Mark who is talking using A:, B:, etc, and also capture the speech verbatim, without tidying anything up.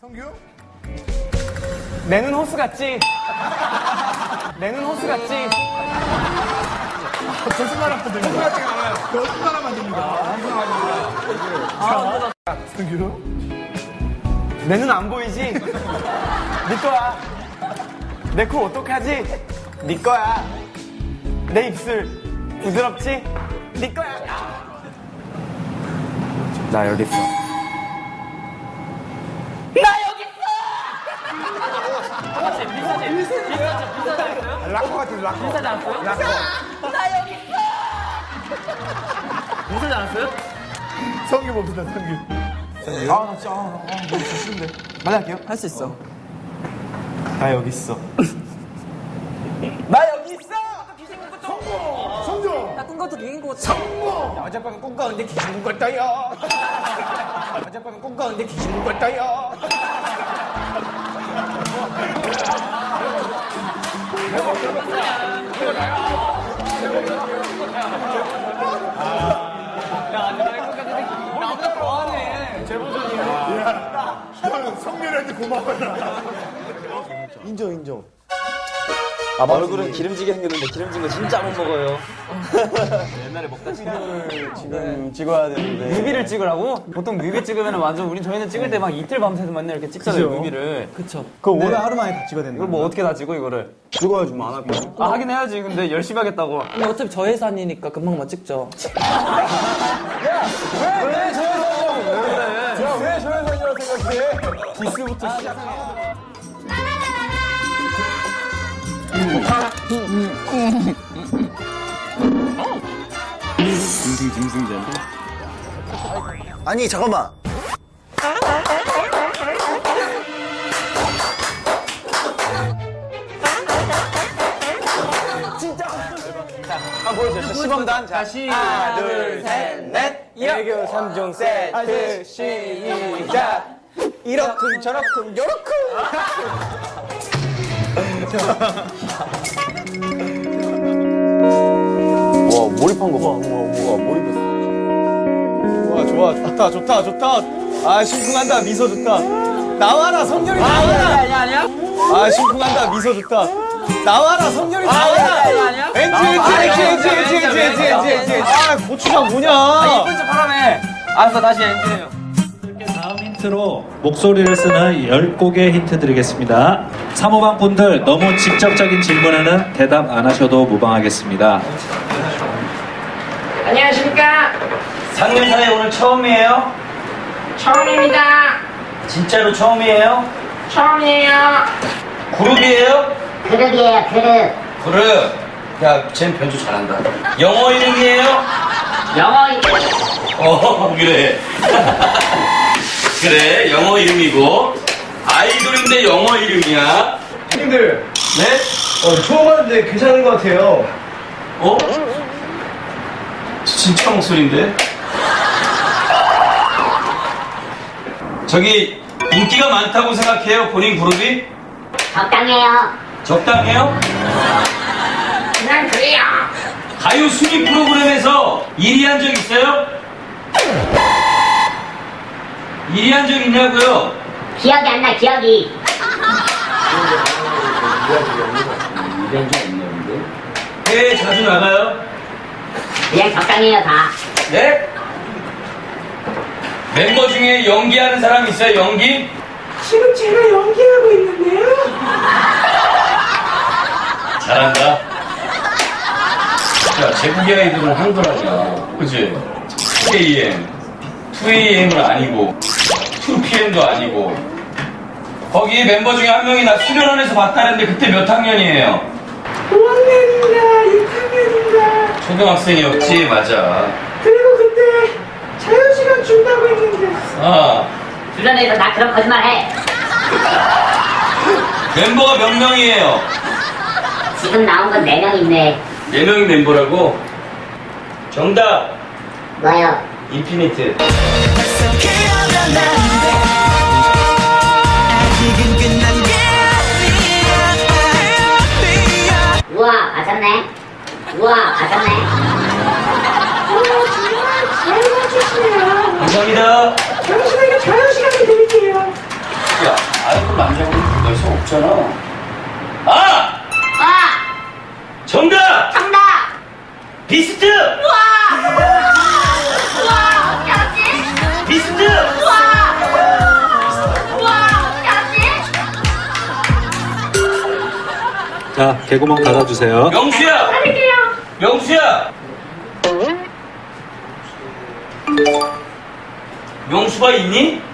A: 성규?
B: 내 눈 호수 같지? 내 눈 호수 같지?
A: 거짓말만 들립니다. 거짓말만 들립니다. 자, 성규?
B: 내 눈 안 보이지? 네 거야. 내 코 어떡하지? 네 거야. 내 입술 부드럽지? 네 거야. 나 여기 있어. 나 여기 있어! 맞지? 비슷하지? 비슷하지? 비슷하지 않았어요?
A: 락커 같은 락커.
B: 비슷하지 않았어요?
A: 락커.
B: 나 여기 있어! 비슷하지 않았어요?
A: 성규 봅시다, 성규.
B: 아, 나 진짜, 아, 아, 너무 좋은데. 빨리 할게요. 할 수 있어. 나 여기 있어. 나 여기 있어!
A: 성조!
B: 나 꿈꿔도 비긴 것 같아.
A: 성모!
B: 어젯밤에 꿈꿨는데 귀신 꿈꿨다요. 어젯밤에 꿈꿨는데 귀신 꿈꿨다요. 나보다 더하네. 제 버전이야.
A: 야, 형 성렬한테 고마워라.
C: 인정 인정.
D: 아, 얼굴은 기름지게 생겼는데 기름진 거 진짜 못 먹어요.
C: 옛날에 먹다 친구를 지금 찍어야 되는데.
B: 뮤비를 찍으라고? 보통 뮤비 찍으면 완전 우리 저희는 찍을 때 막 이틀 밤새서 맨날 이렇게 찍잖아요, 뮤비를. 그쵸.
C: 그거 오늘 하루 만에 다 찍어야 되는
B: 이걸
C: 거야.
B: 뭐 어떻게 다 찍어, 이거를?
C: 찍어야지 뭐 안 할 거야.
B: 아, 하긴 해야지. 근데 열심히 하겠다고.
E: 근데 어차피 저 예산이니까 금방만 찍죠.
B: 왜 저래서 왜 그래?
A: 왜 저래서이라고 생각해?
B: 디스부터 시작해.
C: 아니 잠깐만.
B: 한 보여줘. 시범단. 자, 하나, 둘, 셋, 넷. 애교 삼 종 세트 시작. 이러쿵 저러쿵 요러쿵.
C: 와 몰입한 거 봐. 우와 몰입했어.
D: 좋아, 좋아, 좋다, 좋다, 좋다. 아, 심쿵한다, 미소 좋다. 나와라, 성렬이 나와라.
B: 아니야, 아니야?
D: 아, 심쿵한다, 미소 좋다. 나와라, 성렬이 나와라.
B: 아니야, 아니야?
D: 엔지, 엔지, 엔지, 엔지, 엔지, 엔지, 엔지, 엔지, 엔지, 엔지. 아, 고추장 뭐냐?
B: 이쁜 척 하라며. 알았어, 다시 엔지해요.
F: 다음 힌트로 목소리를 쓰는 열 곡의 힌트 드리겠습니다. 사모방 분들 너무 직접적인 질문에는 대답 안 하셔도 무방하겠습니다.
G: 안녕하십니까.
D: 삼 년 사이 오늘 처음이에요?
G: 처음입니다.
D: 진짜로 처음이에요?
G: 처음이에요.
D: 그룹이에요?
G: 그룹이에요, 그룹.
D: 그룹. 야, 쟨 변조 잘한다. 영어 이름이에요?
G: 영어
D: 어, 그래. 그래, 영어 이름이고. 아이돌인데 영어 이름이야.
C: 형님들
D: 네?
C: 어, 처음 하는데 괜찮은 것 같아요.
D: 어? 진짜 목소리인데? 저기, 인기가 많다고 생각해요, 본인 그룹이?
G: 적당해요.
D: 적당해요?
G: 그냥 그래요.
D: 가요 순위 프로그램에서 일 위 한 적 있어요? 일 위 한 적 있냐고요?
G: 기억이 안 나, 기억이.
D: 해외 자주 나가요?
G: 그냥 적당해요, 다.
D: 네? 멤버 중에 연기하는 사람 있어요, 연기?
G: 지금 제가 연기하고 있는데요.
D: 잘한다. 야, 제국의 아이돌은 한글하냐. 그치? 투 에이엠, 투 에이엠은 아니고, 투 피엠도 아니고. 거기 멤버 중에 한 명이 나 수련원에서 봤다는데 그때 몇 학년이에요?
G: 오 학년인가, 육 학년인가.
D: 초등학생이었지, 맞아.
G: 그리고 그때 자유시간 준다고 했는데.
D: 아,
G: 주변에서 나 그런 거짓말 해.
D: 멤버가 몇 명이에요?
G: 지금 나온 건 네 명 있네.
D: 네 명이 멤버라고? 정답!
G: 뭐요?
D: 인피니트.
G: 우와, 맞았네. 우와, 맞았네. 우와, 정말 잘 맞추시네요.
D: 감사합니다.
G: 잠시만요, 자유시간을 드릴게요.
D: 야, 없잖아. 아!
H: 와!
D: 정답!
H: 정답!
D: 비스트!
H: 우와! 우와! 어떻게 알았지?
D: 비스트!
H: 우와! 우와! 어떻게 알았지?
F: 자, 개구멍 닫아주세요.
D: 명수야!
H: 할게요.
D: 명수야! 명수가 있니?